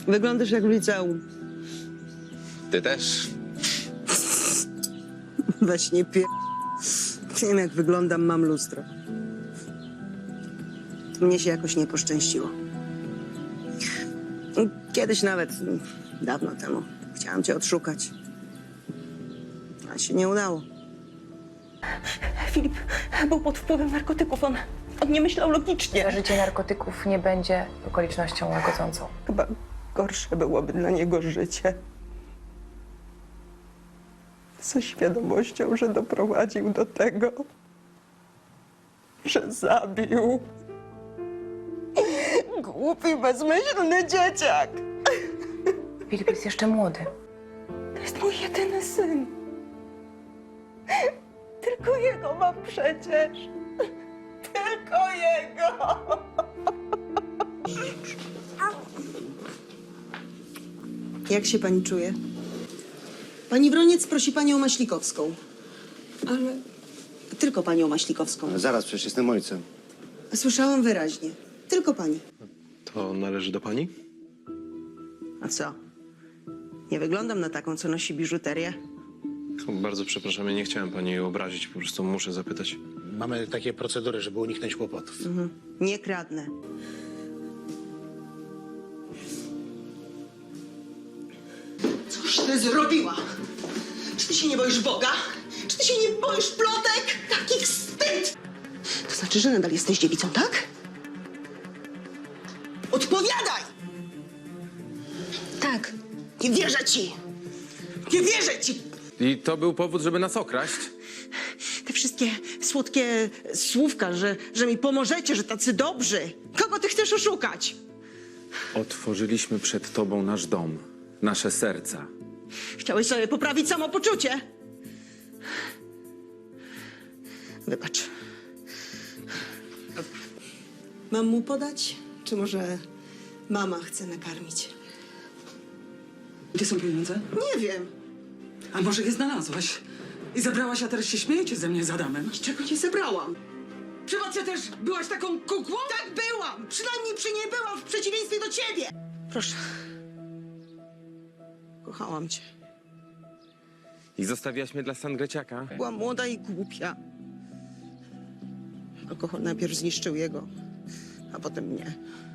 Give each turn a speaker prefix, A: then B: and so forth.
A: Wyglądasz jak w liceum.
B: Ty też.
A: Weź nie pie... Wiem, jak wyglądam, mam lustro. Mnie się jakoś nie poszczęściło. Kiedyś nawet, dawno temu, chciałam cię odszukać. A się nie udało.
C: Filip był pod wpływem narkotyków. On nie myślał logicznie.
D: Zażycie narkotyków nie będzie okolicznością łagodzącą.
C: Chyba gorsze byłoby dla niego życie. Ze świadomością, że doprowadził do tego, że zabił. Głupi, bezmyślny dzieciak.
D: Filip jest jeszcze młody.
C: To jest mój jedyny syn. Tylko jego mam przecież. Tylko jego.
A: Jak się pani czuje? Pani Wroniec prosi panią Maślikowską. Ale tylko panią Maślikowską.
E: Zaraz, przecież jestem ojcem.
A: Słyszałam wyraźnie. Tylko pani.
B: To należy do pani?
A: A co? Nie wyglądam na taką, co nosi biżuterię.
B: Bardzo przepraszam, ja nie chciałem pani obrazić, po prostu muszę zapytać.
E: Mamy takie procedury, żeby uniknąć kłopotów.
A: Nie kradnę. Cóż ty zrobiła? Czy ty się nie boisz Boga? Czy ty się nie boisz plotek? Taki wstyd! To znaczy, że nadal jesteś dziewicą, tak? Odpowiadaj! Tak. Nie wierzę ci! Nie wierzę ci!
F: I to był powód, żeby nas okraść?
A: Te wszystkie słodkie słówka, że mi pomożecie, że tacy dobrzy. Kogo ty chcesz oszukać?
F: Otworzyliśmy przed tobą nasz dom, nasze serca.
A: Chciałeś sobie poprawić samopoczucie? Wybacz. Mam mu podać? Czy może mama chce nakarmić?
G: Gdzie są pieniądze?
A: Nie wiem.
G: A może je znalazłaś? I zabrałaś, a teraz się śmiejecie ze mnie z Adamem?
A: Niczego nie zebrałam.
G: Przypadkiem też byłaś taką kukłą?
A: Tak byłam! Przynajmniej przy niej byłam w przeciwieństwie do ciebie! Proszę. Kochałam cię.
F: I zostawiłaś mnie dla Sangreciaka?
A: Byłam młoda i głupia. Alkohol najpierw zniszczył jego, a potem mnie.